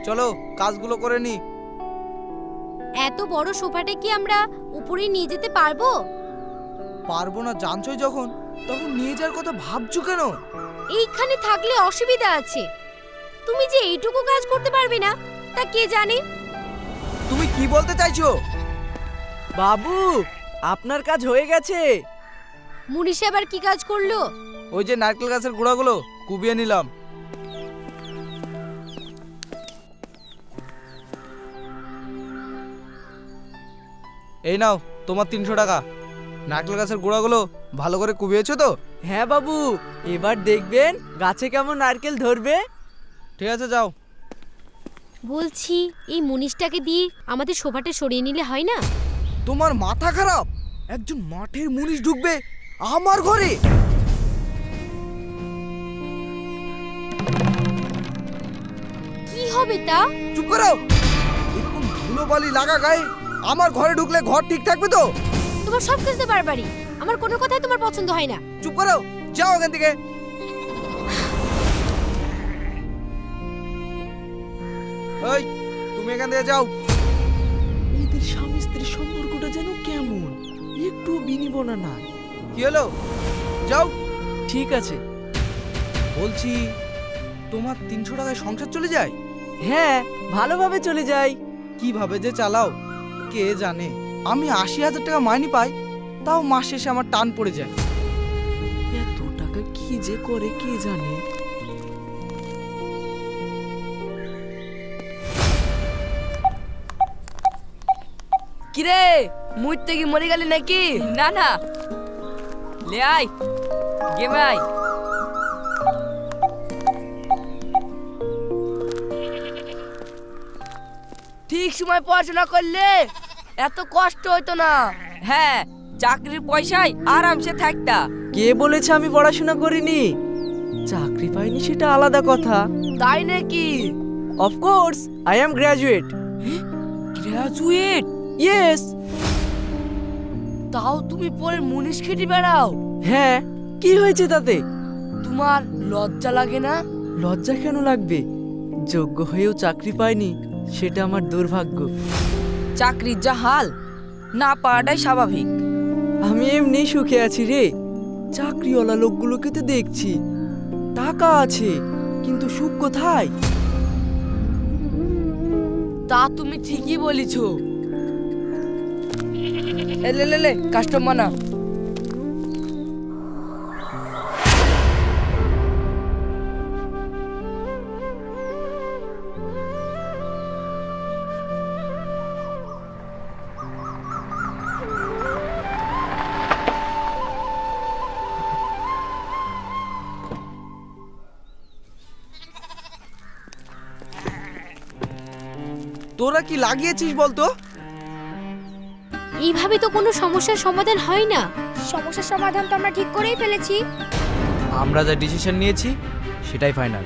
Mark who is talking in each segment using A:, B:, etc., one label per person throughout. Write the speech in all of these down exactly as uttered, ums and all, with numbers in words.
A: চলো কাজগুলো করে নি।
B: এত বড় সোফাটা কি আমরা উপরে নিয়ে যেতে পারবো?
A: পারবো না জানছই যখন, তখন নিয়ে যাওয়ার কথা ভাবছো কেন?
B: এইখানে থাকলে অসুবিধা আছে। তুমি যে এইটুকু কাজ করতে পারবে না তা কে জানে।
A: তুমি কি বলতে চাইছো?
C: বাবু, আপনার কাজ হয়ে গেছে।
B: মুনিশ আবার কি কাজ করলো?
A: ওই যে নারকেল গাছের গুঁড়াগুলো কুবিয়ে নিলাম। এই নাও তোমার তিনশো টাকা। নারকেল গাছের গুঁড়াগুলো ভালো করে কুবিয়েছো তো?
C: হ্যাঁ বাবু, এবার দেখবেন গাছে কেমন নারকেল ধরবে।
A: ঠিক আছে যাও।
B: বলছি এই মুনিশটাকে দিয়ে আমাদের সোফাটা সরিয়ে নিলে হয় না?
A: তোমার মাথা খারাপ? একজন মাঠের মুনিশ ঢুকবে আমার ঘরে?
B: কি হবে তা?
A: চুপ করো। এরকম ধুলোবালি লাগা গায়ে আমার ঘরে ঢুকলে ঘর ঠিক থাকবে তো?
B: তোমার সব কিছুতে বারবারই। আমার কোনো কথাই তোমার পছন্দ হয় না।
A: চুপ করো, যাও এখান থেকে। এই তুমি এখান থেকে যাও।
C: এদের স্বামী স্ত্রীর সম্পর্কটা যেন কেমন, একটু বিনিবনা নাই।
A: কি হলো? যাও।
C: ঠিক আছে।
A: বলছি তোমার তিনশো টাকায় সংসার চলে যায়?
C: হ্যাঁ, ভালোভাবে চলে যাই।
A: কিভাবে যে চালাও কে জানে। আমি আশি হাজার টাকা মাইনে পাই, তাও মাস শেষে আমার টান পড়ে যায়।
C: এত টাকা কি যে করে কে জানে।
D: কিরে, মুইতে কি মরে গেলি নাকি? না না, লে আই গেমে আই। ঠিক সময় পড়াশোনা করলে এত কষ্ট হইতো না। হ্যাঁ, চাকরির পয়সায় আরামসে থাকতা।
C: কে বলেছে আমি পড়াশোনা করিনি? চাকরি পাইনি সেটা আলাদা কথা।
D: তাই নাকি?
C: Of course, I am graduate.
D: Graduate?
C: Yes.
D: তাও তুমি পরে মুনিশ খেটে বেড়াও?
C: হ্যাঁ, কি হয়েছে তাতে?
D: তোমার লজ্জা লাগে না?
C: লজ্জা কেন লাগবে? যোগ্য হয়েও চাকরি পাইনি, সেটা আমার দুর্ভাগ্য।
D: চাকরির যা হাল, না পাওয়াটাই স্বাভাবিক।
C: আমি এমনি সুখে আছি রে। চাকরিওয়ালা লোকগুলোকে তো দেখছি, টাকা আছে, কিন্তু সুখ কোথায়?
D: তা তুমি ঠিকই বলেছ। এ লে লে লে কাস্টমার না।
A: তোরা কি লাগিয়েছিস বলতো?
B: এইভাবে তো কোনো সমস্যার সমাধান হয় না।
E: সমস্যার সমাধান তো আমরা ঠিক করেই ফেলেছি।
A: আমরা যা ডিসিশন নিয়েছি সেটাই ফাইনাল।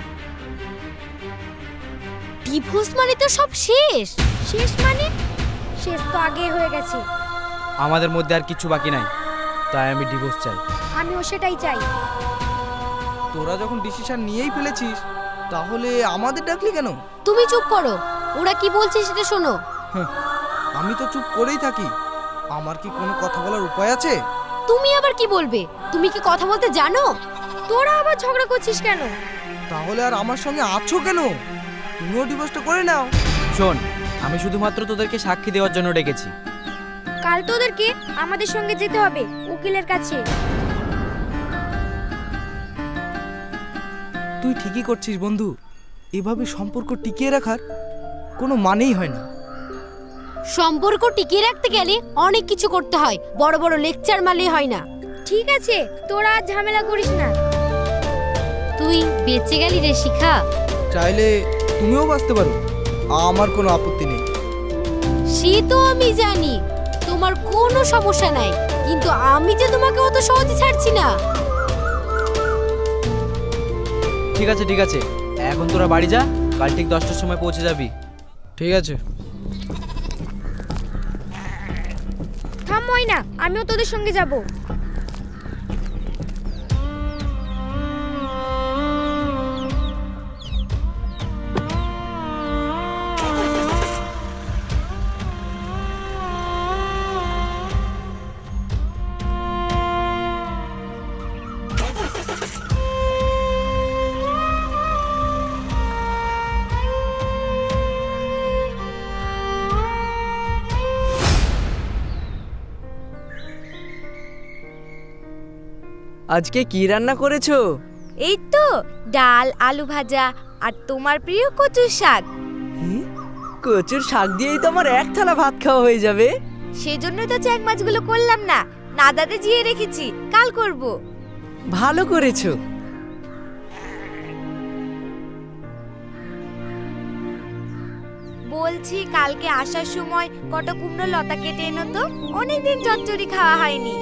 B: ডিভোর্স মানে তো সব শেষ।
E: শেষ মানে? শেষ তো আগে হয়ে গেছে।
A: আমাদের মধ্যে আর কিছু বাকি নাই, তাই আমি ডিভোর্স চাই।
E: আমিও সেটাই চাই।
A: তোরা যখন ডিসিশন নিয়েই ফেলেছিস, তাহলে আমাদের ডাকলি কেন?
B: তুমি চুপ করো, ওরা কি বলছে সেটা শোনো।
A: আমি তো চুপ করেই থাকি। আমার কি কোনো কথা বলার উপায় আছে?
B: তুমি আবার কি বলবে? তুমি কি কথা বলতে জানো?
E: তোরা আবার ঝগড়া করছিস কেন?
A: তাহলে আর আমার সঙ্গে আছো কেন? তুমিও ডিভোর্সটা করে নাও।
F: শোন, আমি শুধুমাত্র তোদেরকে সাক্ষী দেওয়ার জন্য ডেকেছি।
E: কাল তোদেরকে আমাদের সঙ্গে যেতে হবে উকিলের কাছে।
A: তুই ঠিকই করছিস বন্ধু। এভাবে সম্পর্ক টিকিয়ে রাখার কোনো মানেই হয় না।
B: সম্পর্ক টিকিয়ে রাখতে গেলে অনেক কিছু করতে হয়, বড় বড় লেকচার মারলে হয় না।
E: ঠিক আছে, তোরা আর ঝামেলা করিস না।
B: তুই বেঁচে গেলি রে শিখা।
A: চাইলে তুমিও বাঁচতে পারো, আমার কোনো আপত্তি নেই।
B: সে তো আমি জানি, তোমার কোনো সমস্যা নাই, কিন্তু আমি যে তোমাকে অত সহজে ছাড়ছি না।
F: ঠিক আছে ঠিক আছে, এখন তোরা বাড়ি যা, কাল ঠিক দশটার সময় পৌঁছে যাবি।
A: ঠিক আছে।
E: থামই না, আমিও তোদের সঙ্গে যাব।
C: আজকে কি রান্না করেছো?
E: এই তো ডাল আলু ভাজা আর তোমার প্রিয় কচুর শাক।
C: হুম, কচুর শাক দিয়েই তো আমার এক থালা ভাত খাওয়া হয়ে যাবে।
E: সেজন্যই তো চ্যাং মাছগুলো করলাম না, নাদাতে জিয়ে রেখেছি, কাল করব।
C: ভালো করেছো।
E: বলছি কালকে আসার সময় কটা কুমড়ো লতা কেটে এনো তো, অনেকদিন চচ্চড়ি খাওয়া হয়নি।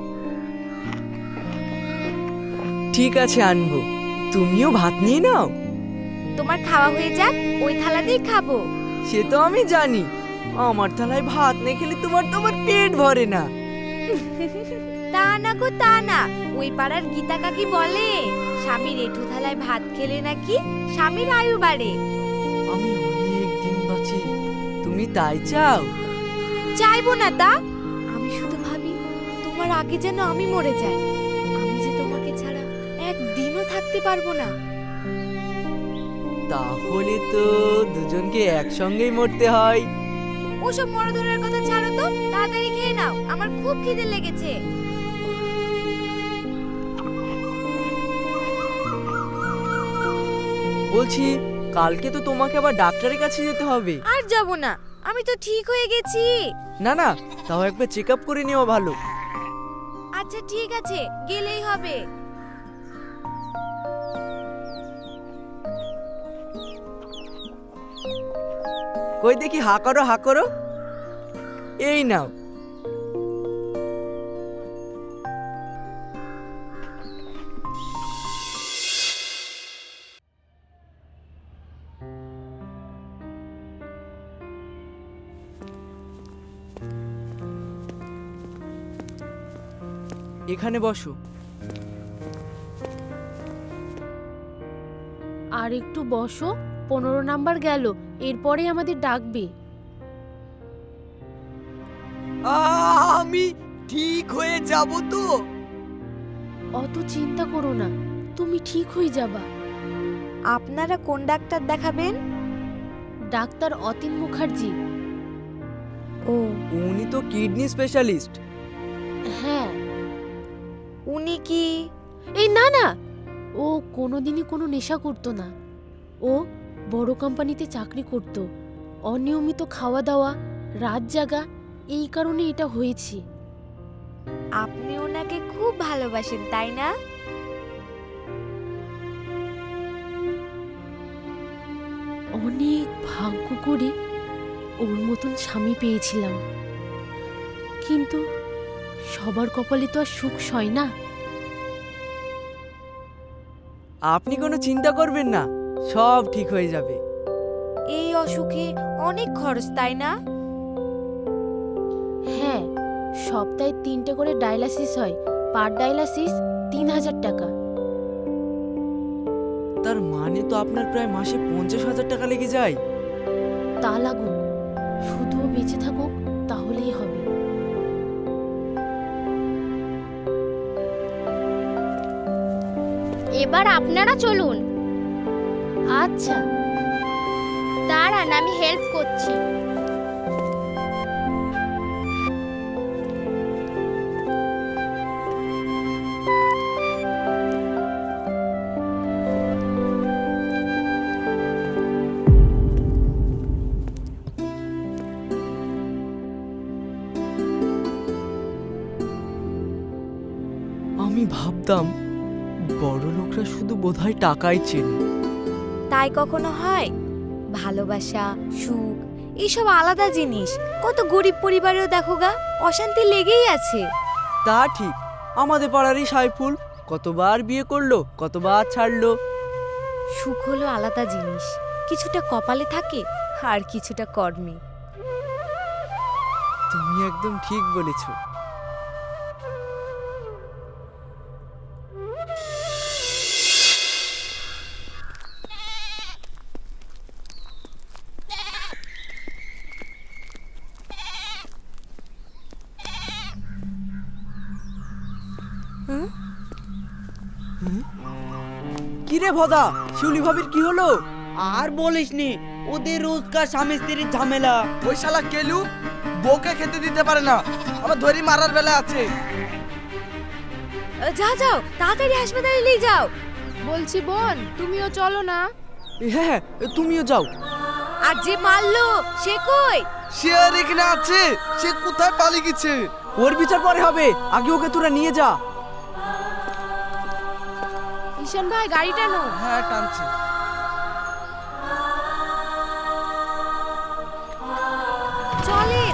C: ঠিক আছে, আনবো। তুমিও ভাত নিয়ে নাও।
E: তোমার খাওয়া হয়ে যাক, ওই থালাতেই খাবো।
C: সে তো আমি জানি, আমার থালায় ভাত না খেলে তোমার তো আমার পেট ভরে না।
E: তা না গো তা না, ওই পাড়ার গীতা কাকি বলে স্বামীর এঁঠো থালায় ভাত খেলে নাকি স্বামীর আয়ু বাড়ে।
C: আমি অনেক দিন বাঁচি, তুমি তাই চাও?
E: চাইবো না তা, আমি শুধু ভাবি তোমার আগে যেন আমি মরে যাই। আমি যে তোমাকে ছাড়া একদিনও থাকতে পারবো না।
C: তাহলে তো দুজনকে একসঙ্গেই মরতে হয়।
E: ওসব মরধরের কথা ছাড়ো তো, তাড়াতাড়ি খেয়ে নাও, আমার খুব খিদে লেগেছে।
C: বলছি, কালকে তো তোমাকে আবার ডাক্তারের কাছে যেতে হবে।
E: আর যাব না, আমি তো ঠিক হয়ে গেছি।
C: না না, তাও একবার চেক আপ করে নেওয়া ভালো।
E: আচ্ছা ঠিক আছে, গেলেই হবে।
C: কই দেখি, হা করো হা করো। এই নাও। এখানে বসো।
B: আর একটু বসো, পনেরো নাম্বার গেল, এরপরে আমাদের ডাকবে।
C: আমি ঠিক হয়ে যাব তো?
B: অত চিন্তা করো না, তুমি ঠিক হয়ে যাবা।
E: আপনারা কোন ডাক্তার দেখাবেন?
B: ডাক্তার অতীন মুখার্জি।
E: ও,
C: উনি তো কিডনি স্পেশালিস্ট।
B: হ্যাঁ।
E: উনি কি?
B: এই না না, ও কোনোদিনই কোনো নেশা করতো না। ও বড় কোম্পানিতে চাকরি করত। অনিয়মিত খাওয়া দাওয়া, রাত জাগা, এই কারণে এটা হয়েছে।
E: আপনি ওনাকে খুব ভালোবাসেন তাই না?
B: অনেক ভাগ্য করে ওর মতন স্বামী পেয়েছিলাম, কিন্তু সবার কপালে তো আর সুখ সয় না।
C: আপনি কোনো চিন্তা করবেন না, সব ঠিক হয়ে যাবে।
E: এই অসুখে অনেক খরচ তাই না?
B: হ্যাঁ, সপ্তাহে তিনটে করে ডায়ালাসিস হয়, পার ডায়ালাসিস তিন হাজার টাকা।
C: তার মানে তো আপনার প্রায় মাসে পঞ্চাশ হাজার টাকা লেগে যায়।
B: তা লাগুক, শুধু ও বেঁচে থাকুক, তাহলেই হবে।
G: এবার আপনারা চলুন।
B: আচ্ছা,
G: দাঁড়ান, আমি হেল্প করছি।
C: আমি ভাবতাম বড় লোকরা শুধু বোধহয় টাকাই চেনে।
E: তাই কখনো হয়? ভালোবাসা, সুখ এইসব আলাদা জিনিস। কত গরিব পরিবারেও দেখো গা, অশান্তি লেগেই আছে।
C: তা ঠিক, আমাদের পাড়ারই সাইফুল কতবার বিয়ে করলো, কতবার ছাড়লো।
E: সুখ হলো আলাদা জিনিস, কিছুটা কপালে থাকে আর কিছুটা কর্মে।
C: তুমি একদম ঠিক বলেছো। কিরে ভদা, শিউলি ভাবির কি হলো?
H: আর বলিসনি, ওদের রোজকার স্বামী স্ত্রীর ঝামেলা।
A: ওই শালা কেলু বউকে খেতে দিতে পারে না, আবার ধরি মারার বেলা আছে।
E: যা যাও তাড়াতাড়ি হাসপাতালে নিয়ে যাও।
B: বলছি বোন, তুমিও চলো না।
C: হ্যাঁ হ্যাঁ তুমিও যাও।
E: আর যে মারলো সে কই?
A: সে আর এখানে আছে, সে কোথায় পালিয়ে গেছে?
C: ওর বিচার পরে হবে, আগে ওকে তোরা নিয়ে যা।
B: ঈশান ভাই গাড়ি টানো।
A: হ্যাঁ টানছি।
E: চলে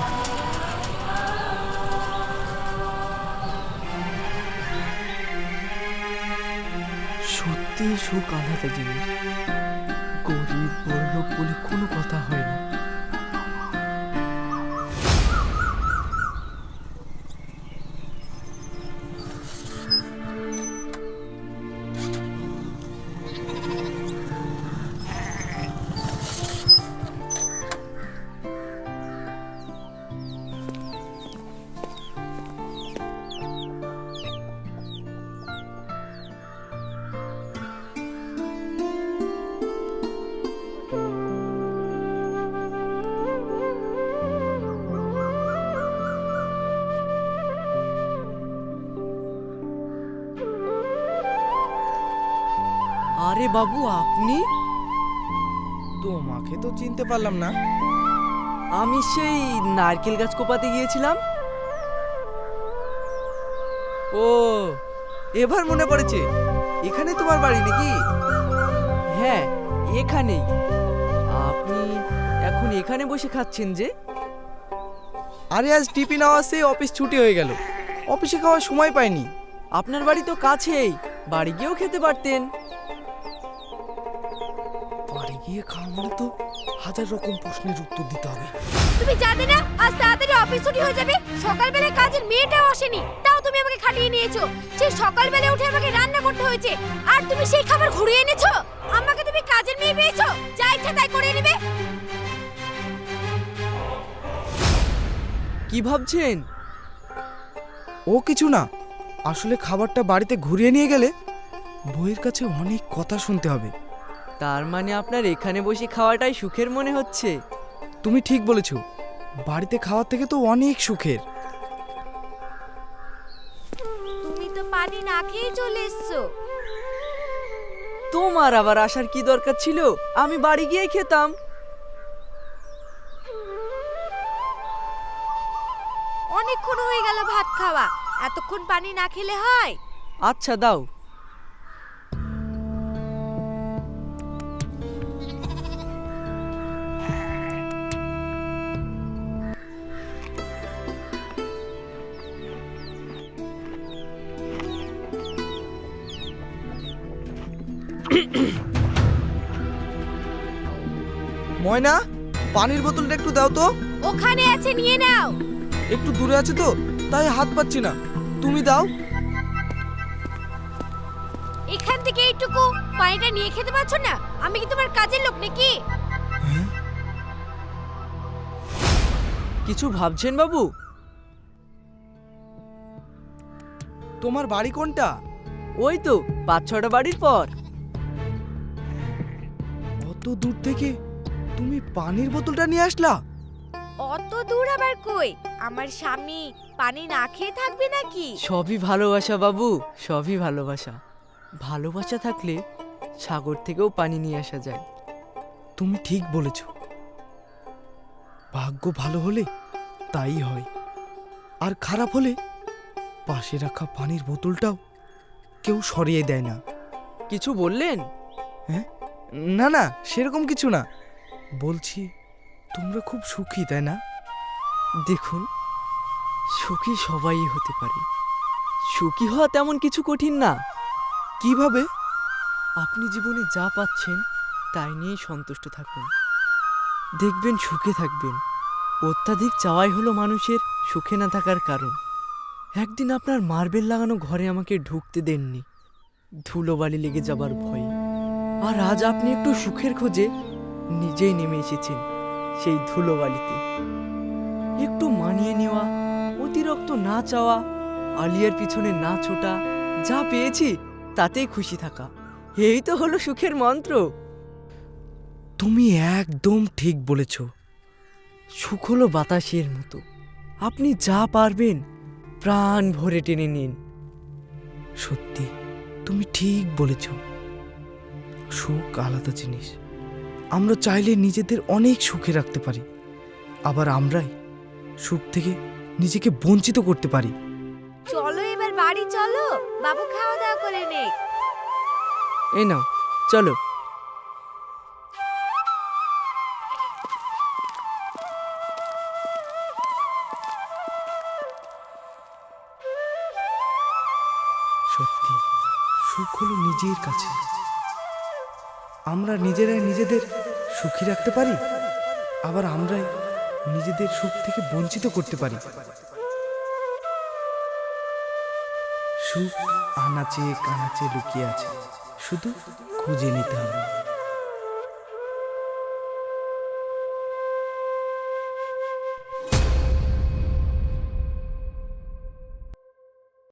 C: সত্যি সুখ আলাদা জিনিস, গরিব বড়লোক বলে কোনো কথা হয় না। আরে বাবু আপনি?
A: তোমাকে তো চিনতে পারলাম না।
C: আমি সেই নারকেল গাছ কোপাতে গিয়েছিলাম।
A: ও, এবার মনে পড়েছে, এখানে তোমার বাড়ি নাকি?
C: হ্যাঁ এখানেই। আপনি এখন এখানে বসে খাচ্ছেন যে?
A: আরে আজ টিফিন আওয়াজে অফিস ছুটি হয়ে গেল, অফিসে খাওয়ার সময় পাইনি।
C: আপনার বাড়ি তো কাছেই, বাড়ি গিয়েও খেতে পারতেন।
A: বাড়ি গিয়ে খাওয়া মানে তো হাজার রকম প্রশ্নের উত্তর দিতে হবে।
E: তুমি জানো না আজ তাড়াতাড়ি অফিস ছুটি হয়ে যাবে? সকালবেলা কাজের মেয়েটাও আসেনি, তাও তুমি আমাকে খাটিয়ে নিয়েছো। সেই সকালবেলা উঠে আমাকে রান্না করতে হয়েছে, আর তুমি সেই খাবার ঘুরিয়ে এনেছো। আমাকে তুমি কাজের মেয়ে পেয়েছো, যা ইচ্ছা তাই করে নেবে।
C: কি ভাবছেন?
A: ও কিছু না, আসলে খাবারটা বাড়িতে ঘুরিয়ে নিয়ে গেলে বইয়ের কাছে অনেক কথা শুনতে হবে।
C: তার মানে আপনার এখানে বসে খাওয়াটাই সুখের মনে হচ্ছে?
A: তুমি ঠিক বলেছো, বাড়িতে খাওয়ার থেকে তো অনেক সুখের।
E: তুমি তো পানি না খেয়ে চলে এসছো।
C: তোমার আবার আসার কি দরকার ছিল? আমি বাড়ি গিয়ে খেতাম।
E: অনেকক্ষণ হয়ে গেল ভাত খাওয়া, এতক্ষণ পানি না খেলে হয়?
C: আচ্ছা দাও।
A: ময়না, পানির বোতলটা একটু দাও তো।
E: ওখানে আছে, নিয়ে নাও।
A: একটু দূরে আছে তো, তাই হাত পাচ্ছি না, তুমি দাও।
E: এখান থেকে এইটুকু পানিটা নিয়ে খেতে পারছো না? আমি কি তোমার কাজের লোক নাকি?
C: কিছু ভাবছেন বাবু?
A: তোমার বাড়ি কোনটা?
C: ওই তো পাঁচ ছটা বাড়ির পর।
A: অত দূর থেকে তুমি পানির বোতলটা নিয়ে আসলা?
E: অত দূর আবার কই? আমার স্বামী পানি না খেয়ে থাকবে নাকি?
C: সবই ভালোবাসা বাবু, সবই ভালোবাসা। ভালোবাসা থাকলে সাগর থেকেও পানি নিয়ে আসা যায়।
A: তুমি ঠিক বলেছ, ভাগ্য ভালো হলে তাই হয়, আর খারাপ হলে পাশে রাখা পানির বোতলটাও কেউ সরিয়ে দেয় না।
C: কিছু বললেন?
A: হ্যাঁ, না না, সেরকম কিছু না। বলছি তোমরা খুব সুখী, তাই না?
C: দেখুন, সুখী সবাই হতে পারে, সুখী হওয়া তেমন কিছু কঠিন না।
A: কিভাবে?
C: আপনি জীবনে যা পাচ্ছেন তাই নিয়েই সন্তুষ্ট থাকুন, দেখবেন সুখে থাকবেন। অত্যাধিক চাওয়াই হলো মানুষের সুখে না থাকার কারণ। একদিন আপনার মার্বেল লাগানো ঘরে আমাকে ঢুকতে দেননি, ধুলোবালি লেগে যাবার ভয়ে। আর আজ আপনি একটু সুখের খোঁজে নিজেই নেমে এসেছেন সেই ধুলোবালিতে। একটু মানিয়ে নেওয়া, অতিরিক্ত না চাওয়া, আলিয়ার পিছনে না ছোটা, যা পেয়েছি তাতেই খুশি থাকা, এই তো হলো সুখের মন্ত্র।
A: তুমি একদম ঠিক বলেছ।
C: সুখ হলো বাতাসের মতো, আপনি যা পারবেন প্রাণ ভরে টেনে নিন,
A: সত্যি তুমি ঠিক বলেছ, সুখ আলাদা জিনিস। আমরা চাইলে নিজেদের অনেক সুখে রাখতে পারি, আবার আমরাই সুখ থেকে নিজেকে বঞ্চিত করতে পারি।
E: চলো এবার বাড়ি চলো, বাবু খাওয়া দাওয়া করে নে।
C: এই নাও চলো।
A: সত্যি সুখ হলো নিজের কাছে। আমরা নিজেরাই নিজেদের সুখী রাখতে পারি, আবার আমরাই নিজেদের সুখ থেকে বঞ্চিত করতে পারি। সুখ আনাচে কানাচে লুকিয়ে আছে, শুধু খুঁজে নিতে হবে।